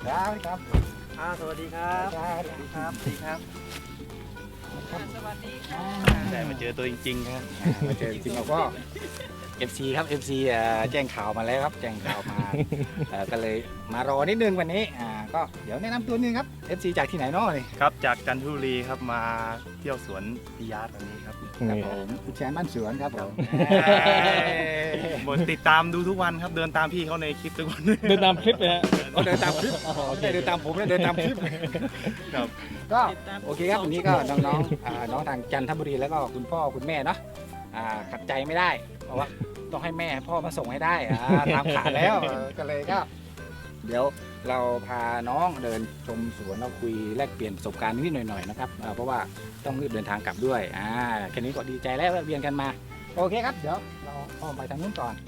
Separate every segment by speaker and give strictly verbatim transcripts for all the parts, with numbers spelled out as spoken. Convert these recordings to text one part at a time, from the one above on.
Speaker 1: ครับครับ
Speaker 2: อ่าสวัสดีครับ
Speaker 1: สวัสดีครับ
Speaker 2: สวัสดีครับสวัสดีค่ะได้มาเจอตัวจริงๆครับ
Speaker 1: มาเจอจริงๆเราก็ เอฟ ซี ครับ เอฟ ซี เอ่อแจ้งข่าวมาแล้วครับแจ้งข่าวมาเอ่อก็เลยมารอนิดนึงวันนี้อ่าก็เดี๋ยวแนะนำตัวนึงครับ เอฟ ซี จากที่ไหนเนาะนี่
Speaker 2: ครับจากจันทบุรีครับมาเที่ยวสวนพิยาตวันนี้ครับ
Speaker 1: ครับผมคุณแชนบ้านสวนครับผม
Speaker 2: หมดติดตามดูทุกวันครับเดินตามพี่เขาในคลิปทุกวัน
Speaker 3: เดินตามคลิปเลยฮะ
Speaker 1: เขาเดินตามคลิปไม่ได้เดินตามผมนะเดินตามคลิป
Speaker 2: ครับ
Speaker 1: ก็โอเคครับวันนี้ก็น้องๆอ่าน้องทางจันทบุรีแล้วก็คุณพ่อคุณแม่เนาะอ่าขัดใจไม่ได้เพราะว่าต้องให้แม่พ่อมาส่งให้ได้อ่าตามขาแล้วเออก็เลยก็ เดี๋ยวเราพาน้องเดินชมสวนเราคุยแลกเปลี่ยนประสบการณ์นิดๆหน่อยๆนะครับอ่าเพราะว่าต้องรีบเดินทางกลับด้วยอ่าแค่นี้ก็ดีใจแล้วแวะเวียนกันมาโอเคครับเดี๋ยวเราอ้อมไปทางนู้นก่อน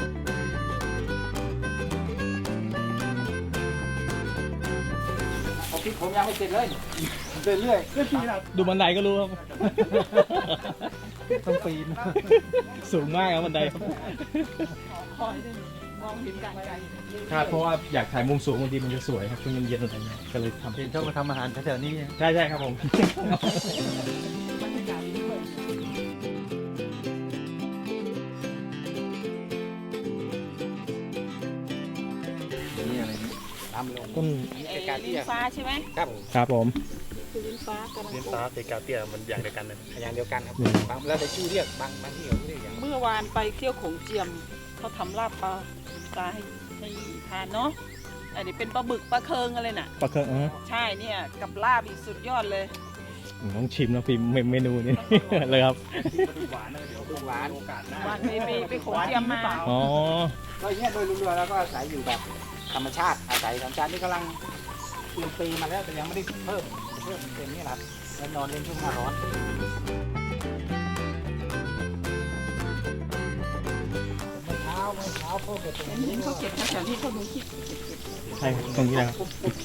Speaker 1: เอาคลิปผมยังไม่เสร็จเลยเดินเรื่อย
Speaker 3: ดูบันไดก็รู้ครับ
Speaker 1: ต้องปีน
Speaker 3: สูงมากครับบันไดครับ
Speaker 4: คอยได้มองเห็นการไกล
Speaker 3: ครับเพราะว่าอยากถ่ายมุมสูงบางทีมันจะสวยครับช่วงเย็นๆอะไรเงี้ยก็เลยทำ
Speaker 2: เป็นชอบมาทำอาหารแถวๆนี้
Speaker 3: ใช่ใช่ครับผม
Speaker 4: บรรยากาศดีด้วย
Speaker 1: นี่อะไรนี่น้ำลง
Speaker 3: ต้น
Speaker 1: นี่
Speaker 4: ไอ้
Speaker 1: เป็นการที่
Speaker 4: ลิ้นฟ้าใช่ไหม
Speaker 1: ครับ
Speaker 3: ครับผม
Speaker 4: คือลิ้นฟ้ากำลัง
Speaker 2: เลี้ยง
Speaker 4: ปลู
Speaker 2: ตาก เตกาเตียมันอย่างเดียวกันเลย
Speaker 1: อย่างเดียวกันครับบางแล้วแต่ชื่อเรียกบางบางที่เขาเรียกอย่าง
Speaker 4: เมื่อวานไปเที่ยวโขงเจียมเขาทำลาบปลาปลาให้ให้ทานเนาะอันนี้เป็นปลาบึกปลาเคิงอะไรน่ะ
Speaker 3: ปลาเคิงเออ
Speaker 4: ใช่เนี่ยกับลาบอีกสุดยอดเลย
Speaker 3: ต้องชิมนะพี่เมนูนี้ เลยครับ
Speaker 2: หวานนะเดี๋ยว
Speaker 1: ลูกหลาน
Speaker 2: โอกาสหน้า
Speaker 4: วันไปไปไปโขงเจียมมา
Speaker 3: อ๋อ
Speaker 1: ก็อย่างเงี้ยโดยรวมๆแล้วก็อาศัยอยู่แบบธรรมชาติอาศัยธรรมชาตินี่กำลังเตรียมปีมาแล้วแต่ยังไม่ได้เพิ่มเพิ่มเป็นนี่แหละครับแล้วนอนเล่นช่วงหน้าร้อนเมื่อเช้าเมื่อเช้าพ่อเกิดตรง
Speaker 4: เห็น
Speaker 1: นี้
Speaker 4: เห็นเขาเก็บแถวๆนี้เขาดูคลิป
Speaker 3: ใช่ครับตรงนี้นะครับโอเค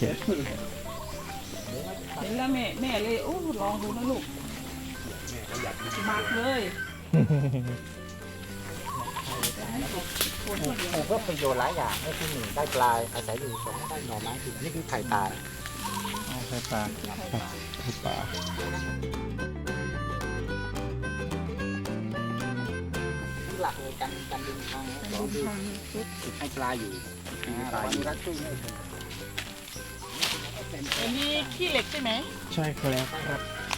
Speaker 4: เห็นแล้วแม่แม่เลยโอ้ลองดูนะลูกมักเลยคนคนเดียว
Speaker 1: ปลูกเพื่อประโยชน์หลายอย่างให้ที่หนึ่งได้ปลายอาศัยอยู่สองได้หน่อไม้คืออันนี้คือไข่ตาย
Speaker 3: ใช่ปลาครับปลา
Speaker 1: ที่หลักเลยการการดึงทางสองคือติดให้ปลาอยู่ปลาอยู่รักช่วยไม่ถึง
Speaker 4: อันนี้ขี้เหล็กใช่ไหม
Speaker 3: ใช่ครับครับ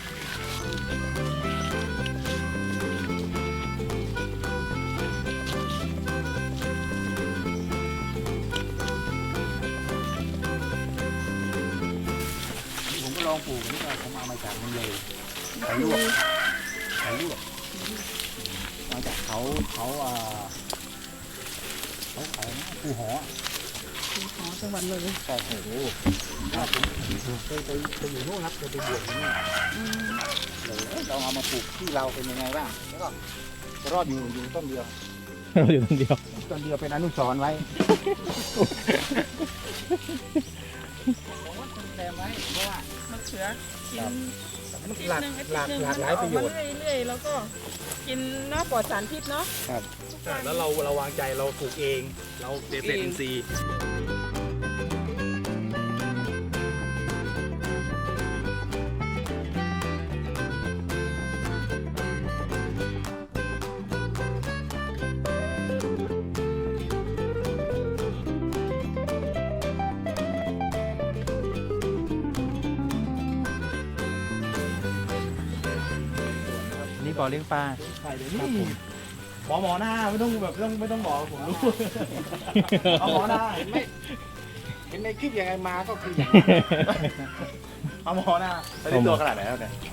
Speaker 1: ผมก็ลองปลูกนี่ก็ผมเอามาจากมันเลยไข่ลวกไข่ลวกมาจากเขาเขาอ่าเขาขายนะภูหอ
Speaker 4: ขอจังหวัดเลย
Speaker 1: ใช่โอ้โหเคยไปไปอยู่นู่นครับเคยไปบวชที่นู่นเลยเราเอามาปลูกที่เราเป็นยังไงบ้างแล้วก็รอดอยู่อยู่ต้นเดียว
Speaker 3: เราอยู่คนเดียว
Speaker 1: ต้นเดียวเป็นอนุสรณ์ไว้ผมว่าคุณแซมไว้เพราะว่าม
Speaker 4: ะเขือกิน
Speaker 1: มันหลากหลากหลากหลายประโยชน์
Speaker 4: เรื่อยๆแล้วก็กินเนาะปลอดสารพิษเนาะ
Speaker 1: ครับ
Speaker 2: แล้วเราเราวางใจเราปลูกเอง เราเกษตรอินทรีย์
Speaker 3: นี่บ่อเลี้ยงปลา
Speaker 1: ใช่เดี๋ยว
Speaker 2: นี่
Speaker 1: นี้
Speaker 2: หมอหมอหน้าไม่ต้องแบบไม่ต้องไม่ต้องบอกผมรู้ เอาหมอหน้า
Speaker 1: ไม่เห็นในคลิปยังไงมาก็คือ
Speaker 2: เอาหมอหน้าแล้วนี่ตัวขนาดไหนแล้วเนี่ย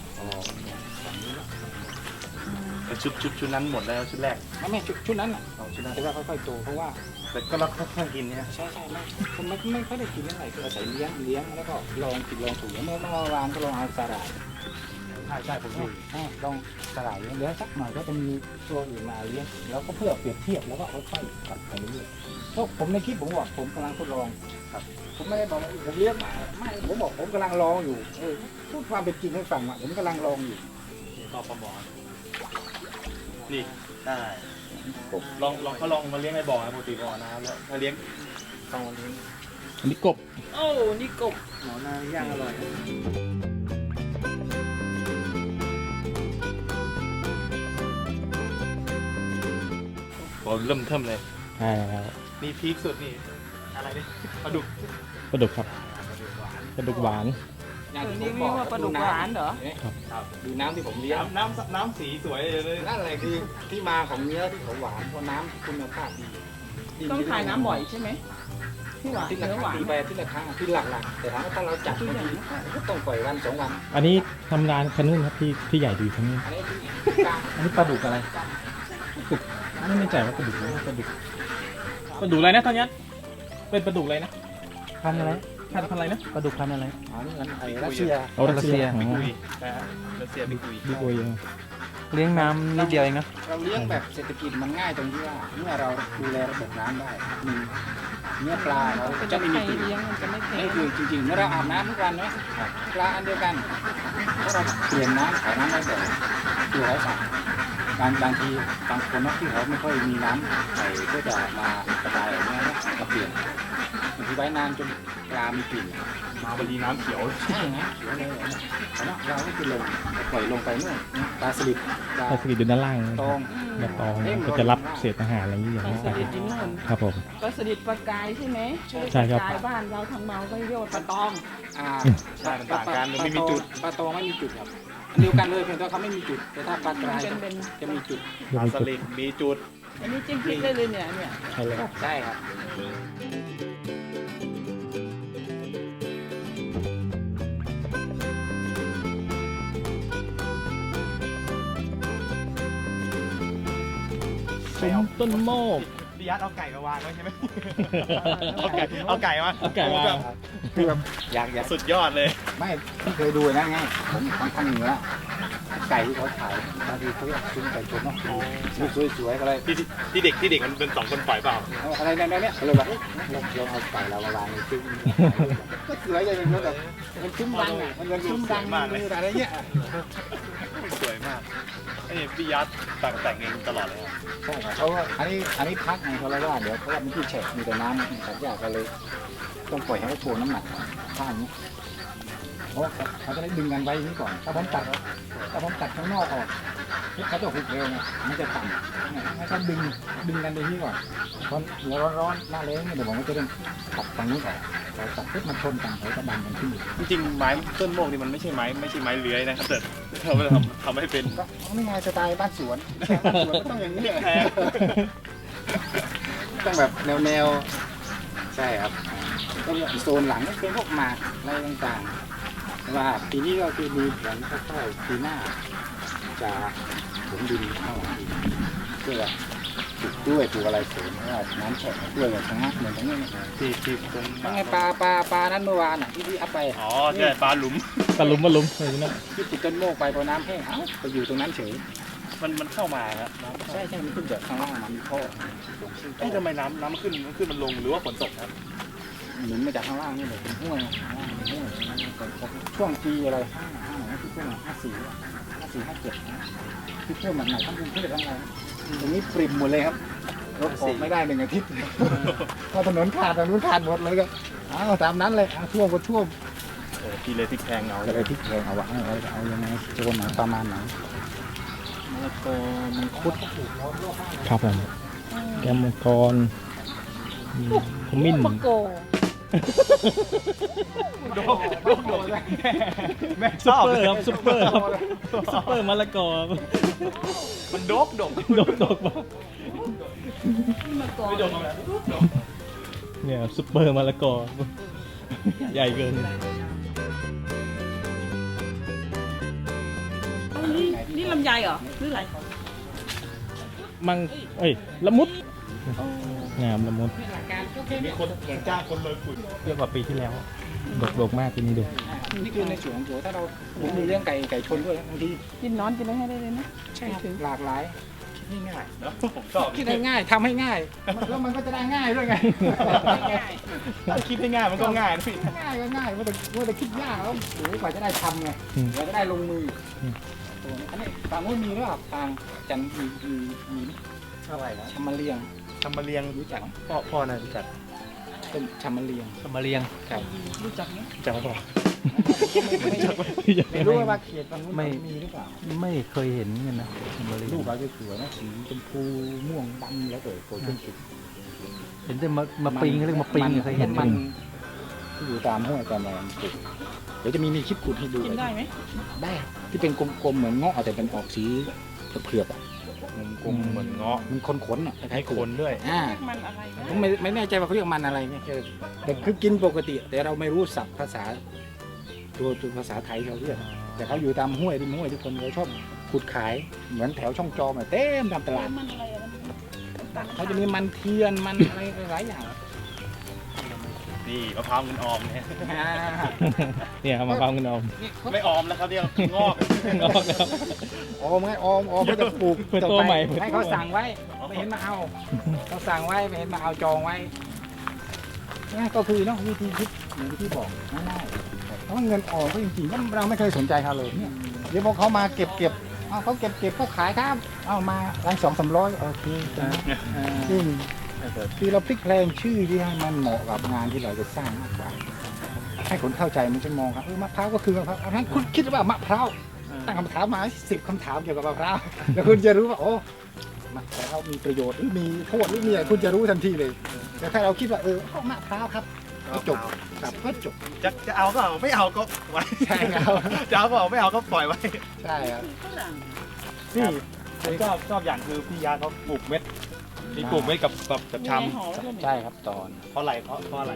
Speaker 2: ชุดชุดชุดนั้นหมดแล้วชุดแรก
Speaker 1: ไม่ไม่ชุดชุดนั้นอ่ะ
Speaker 2: เอาชุดนั้น
Speaker 1: แต่ว่าค่อยๆโตเพราะว่า
Speaker 2: แต่ก็เราค่อยๆกินเนี่ย
Speaker 1: ใช่ใช่ไม่ผมไม่ไม่ค่อยได้กินเท่าไหร่คืออาศัยเลี้ยงเลี้ยงแล้วก็ลองผิดลองถูกเมื่อเมื่อวานก็ลองเอาสาหร่าย
Speaker 2: ใช่ใช่ผมดู
Speaker 1: อ่าลองสาหร่ายเลี้ยงเลี้ยงสักหน่อยก็จะมีตัวอื่นมาเลี้ยงแล้วก็เพื่อเปรียบเทียบแล้วก็ค่อยๆกลับไปเรื่อยๆเพราะผมในคลิปผมบอกผมกำลังทดลองครับผมไม่ได้บอกว่าผมเลี้ยงมาไม่ผมบอกผมกำลังลองอยู่เออพูดความเป็นจริงให้ฟังว่าผมกำลังลองอยู่
Speaker 2: ต่อปลาหมอนี่ได้ลองลองเขาลองมาเลี้ยงในบ่อนะปกติบ่อน้ำแล้วถ้าเลี้ยง
Speaker 1: ต้องเลี้ยง
Speaker 3: อันนี้กบ
Speaker 4: โอ้นี่กบ
Speaker 2: หมอนาย่างอร่อย
Speaker 3: ผมเริ่มเทิมเลยใช่แล้ว
Speaker 2: นี่พีคสุดนี่อะไรนี่ปลาดุก
Speaker 3: ปลาดุกครับปลาดุกหวาน
Speaker 1: อย่าง
Speaker 4: เออ
Speaker 1: ที่ผ
Speaker 4: นี่
Speaker 1: มบอก
Speaker 4: เรียกว่าปลาดุกหวานเหรอ
Speaker 3: ครับ
Speaker 1: ดูน้ำที่ผมเลี้ยง
Speaker 2: น้ำน้ำน้ำสีสวยเลย
Speaker 1: นั่นแหละคือที่มาของเนื้อที่เขาหวานเพราะน้ำคุณภาพดีดี
Speaker 4: ต้องทายน้ำบ่อยใช่ไหมที่หวาน
Speaker 1: ที่ละ
Speaker 4: เนื้อ
Speaker 1: ค
Speaker 4: ห
Speaker 1: รั้
Speaker 4: วาง น
Speaker 1: ปีไปที่ละครั้งที่หลักๆแต่ถามว่าถ้าเราจัดบางทีก็ต้องปล่อยวันสองวัน
Speaker 3: อันนี้ทำงานคันนู้นครับที่ที่ใหญ่ดีคันนู้น
Speaker 1: อันนี้คือกลาง
Speaker 3: อันนี้ปลาดุกอะไรไม่แน่ใจว่าปลาดุกอะไรปลาดุกปลาดุกอะไรนะตอนนี้เป็นปลาดุกอะไรนะพันอะไรพันพันอะไรนะปลาดุกพันอะไร
Speaker 1: อ๋อนี่มันไอ้รัสเซีย
Speaker 3: เอารัสเซีย
Speaker 2: บิ๊กอุยนะฮะรัสเซียบิ๊กอุย
Speaker 3: บิ๊กโอย
Speaker 5: เลี้ยงน้ำนิดเดียวเองนะ
Speaker 1: เราเลี้ยงแบบเศรษฐกิจมันง่ายตรงที่ว่าเมื่อเราดูแลระบบน้ำได้หนึ่งเนื้อปลาเรา
Speaker 4: เป็น
Speaker 1: จะ
Speaker 4: จะ
Speaker 1: ไม่
Speaker 4: ไม่
Speaker 1: มีกลิ่น
Speaker 4: เลี้ยงมันจะไม่แพ
Speaker 1: นี่
Speaker 4: ง
Speaker 1: คือจริงๆเมื่อเราอาบน้ำทุกวันนะปลาอันเดียวกันถ้าเราเปลี่ยนน้ำขายน้ำได้แต่ตัวเขาสั่งบางบางทีบางคนนะที่เขาไม่ค่อยมีน้ำใส่ก็จะมาระบายอย่างเงี้ยนะมาเปลี่ยนบางทีไว้นานจนปลามีกลิ่น
Speaker 2: มาบดีน้ำเขียว
Speaker 1: ใช่นะเขียวเลยแต่ว่าเราก็คือลงปล่อยลงไปนู่นปลาสลิดปลา
Speaker 3: ปลาสลิดอยู่ด้านล่าง
Speaker 1: ตอง
Speaker 3: ปลาตองก็จะรับเศษอาหารอะไรอย่างนี้อย่าง
Speaker 4: ปลา
Speaker 3: นี้
Speaker 4: สลิดที่นู่น
Speaker 3: ครับผม
Speaker 4: ปลาสลิดปลากายใช่ไหม
Speaker 3: ใช่ครับ
Speaker 4: ปลากายบ้านเราทางเมาก็เรียกว่าปลาตอง
Speaker 1: อ่า
Speaker 2: ใช่มันต่างกันมันไม่มีจุด
Speaker 1: ปลาตองไม่มีจุดครับอันเดียวกันเลยเพียงแต่ว่าเขาไม่มีจุดแต่ถ้าปลากราย
Speaker 4: เป็นเป็น
Speaker 1: จะมีจุด
Speaker 2: ปลาสลิดมีจุด
Speaker 4: อันนี้จิ้มพริกได้เลยเนี่ยเนี่ย
Speaker 3: ใช่เลย
Speaker 1: ใช่ครับ
Speaker 3: ซุ้มต้นโมก
Speaker 2: พี่ยัดเอาไก่มาวางไว้ใช่ไหมเอาไก่เอาไก่มา
Speaker 3: เอาไก่มา
Speaker 1: คือแบบอยากอยาก
Speaker 2: สุดยอดเลย
Speaker 1: ไม่ที่เคยดูนะไงผมทางทางเหนือไก่ที่เขาขายบางทีเขาเรียกซุ้มไก่ชนเนาะสวยๆอะไร
Speaker 2: ที่ที่เด็กที่เด็กมันเป็นสองคนปล่อยเปล่า
Speaker 1: อะไรในนั้นเนี่ยเลยแบบเอ๊ะลองลองเอาไก่เรามาวางในซุ้มก็สวยเลยมันแบบมันซุ้มดังอ่ะมันเป็นซุ้มดังมืออะไรเงี้ย
Speaker 2: สวยมากไอ้นี่พี่ยัดแต่งแต่งเองตลอดเลยครับ
Speaker 1: ใช่ครับเพราะว่าอันนี้อันนี้พักไงเขาเลยว่าเดี๋ยวเพราะว่ามันที่แฉะมีแต่น้ำสัตว์ยากก็เลยต้องปล่อยให้เขาโชว์น้ำหนักข้างนี้เพราะเขาจะได้ดึงกันไว้นี้ก่อนถ้าผมตัดถ้าผมตัดข้างนอกออกเขาจะหุบเร็วไงมันจะต่ำเนี่ยให้เขาดึงดึงกันไปที่ก่อนตอนหัวร้อนๆหน้าแล้งเนี่ยเดี๋ยวผมก็จะต้องตัดตรงนี้ก่อนพอตัดปุ๊บมันชนกันเขาจะดันกันขึ้น
Speaker 2: จริงๆไม้ต้นโมกนี่มันไม่ใช่ไม้ไม่ใช่ไม้เลื้อยนะครับแต่เราไม่ทำทำให้เป็น
Speaker 1: ก็ไม่ไงสไตล์บ้านสวนบ้านสวนก็ต้องอย่างนี้
Speaker 2: แพ้
Speaker 1: ต้องแบบแนวๆใช่ครับต้องโซนหลังก็เป็นพวกหมากอะไรต่างๆแต่ว่าปีนี้ก็คือมีแผนคร่าวๆปีหน้าจะถมดินเข้าอีกเพื่อปลูกกล้วยปลูกอะไรเสริมเพราะว่าน้ำแฉะกล้วยแบบชะงักเหมือนตรงนี้
Speaker 2: ที่ที่ตรง
Speaker 1: ว่าไงปลาปลาปลานั้นเมื่อวานอ่ะที่พี่อัพไป
Speaker 2: อ๋อใช่ปลาหลุม
Speaker 3: ตะลุมตะลุมอะไรนั่น
Speaker 1: ที่ติดต้นโมกไปพอน้ำแห้งเอ้าไปอยู่ตรงนั้นเฉย
Speaker 2: มันมันเข้ามาครับ
Speaker 1: ใช่ใช่มันขึ้นจากข้างล่างมันมีท่อ
Speaker 2: ที่ทำไมน้ำน้ำมันขึ้นมันขึ้นมันลงหรือว่าฝนตกครับ
Speaker 1: หนุนมาจากข้างล่างนี่เลยเป็นห้วยข้างล่างเป็นห้วยช่วงปีอะไรห้าห้าไหนที่ช่วงห้าสี่ห้าสี่ห้าเจ็ดที่ช่วงหนักๆทั้งกรุงเทพทั้งอะไรตรงนี้ปริมหมดเลยครับรถออกไม่ได้หนึ่งอาทิตย์พอถนนขาดถนนขาดหมดเลยก็อ้าวตามนั้นเลยท่วมก็ท่วม
Speaker 2: โอ้พี่เลยพริกแพงเอา
Speaker 1: ก็เลยพลิกแพงเอาวะเอาเอายังไงโจนไหนประมาณไหนมะละกอมังคุด
Speaker 3: ครับผมแกมมังกรมีขมิ้น
Speaker 4: มะโก
Speaker 2: โดกโดกโดกแม่ช
Speaker 3: ซุป
Speaker 2: อบ
Speaker 3: เปอ
Speaker 2: เล
Speaker 3: ร์
Speaker 2: ย
Speaker 3: ครับซุปเปอร์ครับซุปเปอร์มะละกอ
Speaker 2: มันโดกโดก
Speaker 3: โดกโดกบ้าง
Speaker 4: มะโก
Speaker 2: ไม่โดกแล้ว
Speaker 3: เนี่ยซุปเปอร์มะละกอ ใหญ่เกิน
Speaker 4: นี่นี่ลำไยเหรอหรืออะไร
Speaker 3: มังเอ้ยละมุดงามละมุด
Speaker 1: หลักการก็แค่
Speaker 2: มี
Speaker 1: นี้
Speaker 2: คนเหมือนจ้างคนเลยขุด
Speaker 3: เยอะกว่าปีที่แล้วดกดกมากปีนี้ดู
Speaker 1: นี่คือในส่วนของตัวถ้าเราผมมีเรื่องไก่ไก่ชนด้วยบางที
Speaker 4: กินนอนกินอะไรให้ได้เลยนะ
Speaker 1: ใช่ครับหลากหลายคิดง่าย
Speaker 2: เนาะผมชอบ
Speaker 1: คิดให้ง่ายทำให้ง่ายแล้วมันก็จะได้ง่ายด้วยไง
Speaker 2: ถ้าคิดให้ง่ายมันก็ง่ายนะพี่
Speaker 1: ง่ายก็ง่ายว่าแต่ว่าแต่คิดยากแล้วโอ้โหกว่าจะได้ทำไงกว่าจะได้ลงมือตัวนี้อันนี้ฝั่งนู้นมีหรือเปล่าทางจันทร์มีมีมี
Speaker 2: อะไรนะ
Speaker 1: ชำมะเลียง
Speaker 2: ทำมาเรียง
Speaker 1: รู้จักไหม
Speaker 2: พ่อพ่อน่ารู้จัก
Speaker 1: ชต้นชามาเลียง
Speaker 5: สมาเรียง
Speaker 1: ครับ
Speaker 4: รู้จักไหม
Speaker 3: จังหวะ
Speaker 1: ไม่ไม่รู้ว่าเขตตรงนู้น
Speaker 5: ไม่
Speaker 1: มีหรือเปล่า
Speaker 5: ไม่เคยเห็นกันนะสมาเรียง
Speaker 1: ลูกเขาจะสวยนะสีชมพูม่วงดำแล้วเกิดโกลเด้นสุด
Speaker 5: เห็นแต่มามาปิงเขาเรียกมาปิงเคยเห็น
Speaker 1: มั
Speaker 5: มัน น
Speaker 1: ที่อยู่ตามห้วยตามอะไรมันติดเดี๋ยวจะมีมีคลิปขุดให้ดู
Speaker 4: กินได้ไหม
Speaker 1: ได้ที่เป็นกลมๆเหมือนเงาะแต่เป็นออกสีเผือกๆอ่ะ
Speaker 3: กลมๆเหมือนเงาะ
Speaker 1: มันขนๆอ่ะคล้า
Speaker 3: ให้
Speaker 1: ยๆ
Speaker 3: คนด้วย
Speaker 1: อ่า
Speaker 4: มันอะไรนะ
Speaker 1: ผมไม่ไม่แน่ใจว่าเขาเรียกมันอะไรเนี่ยคือแต่คือกินปกติ แต่เราไม่รู้ศัพท์ภาษาตัวตัวภาษาไทยเขาเรียกแต่เขาอยู่ตามห้วยริมห้วยทุกคนเขาชอบขุดขายเหมือนแถวช่องจอมอะเต็มตามตลาด
Speaker 4: มันอะไรอะมันตัด
Speaker 1: เขาจะมีมันเทียนมันอะไรหลายอย่าง
Speaker 3: นี่มะพร้าวเงินออมเนี่ย
Speaker 1: อ่า
Speaker 3: เนี่ยเอามะพร้าวเงินออม
Speaker 1: นี่เขา
Speaker 3: ไม่ออมแล้วครับเนี่ยงอกงอกแล้ว
Speaker 1: ออมไงออมออมเขาจะปลูก
Speaker 3: เปิด
Speaker 1: ต่อ
Speaker 3: ตัว
Speaker 1: ไป
Speaker 3: ใหม่เปิดตัว
Speaker 1: ให้เขาสั่งไว้ไม่เห็นมาเอาเขาสั่งไว้ไม่เห็นมาเอาจองไว้นี่ก็คือเนาะวิธีคิดอย่างที่บอกง่ายๆเพราะว่าเงินออมก็จริงๆเราไม่เคยสนใจเขาเลยเนี่ยเดี๋ยวพอเขามาเก็บเก็บเอาเขาเก็บเก็บก็ขายครับเอามาร้านสองสามร้อยโอเคซึ่งคือเราพลิกแพลงชื่อที่ให้มันเหมาะกับงานที่เราจะสร้างมากกว่าให้คนเข้าใจมันจะมองครับเออมะพร้าวก็คือมะพร้าวอันนั้นคุณคิดว่ามะพร้าวตั้งคำถามมาสิบคำถามเกี่ยวกับมะพร้าวแล้วคุณจะรู้ว่าโอ้มะพร้าวมีประโยชน์หรือมีโทษหรือมีอะไรคุณจะรู้ทันทีเลยแต่ถ้าเราคิดว่าเออเอามะพร้าวครับก็จบครับก็จบ
Speaker 2: จะจะเอาก็เอาไม่เอาก็ไว้
Speaker 1: ใช่ครับ
Speaker 2: จะเอาก็เอาไม่เอาก็ปล่อยไว้
Speaker 1: ใช่ครับ
Speaker 4: ฝรั่ง
Speaker 2: นี่ผมชอบชอบอย่างคือพี่ยาเขาปลูกเม็ดมีปลูกเม็ดกับกับกับช
Speaker 4: มีในหอแล้วเนี่ย
Speaker 1: ใช่ครับตอน
Speaker 2: ำเพราะอะไรเพราะเพราะอะไร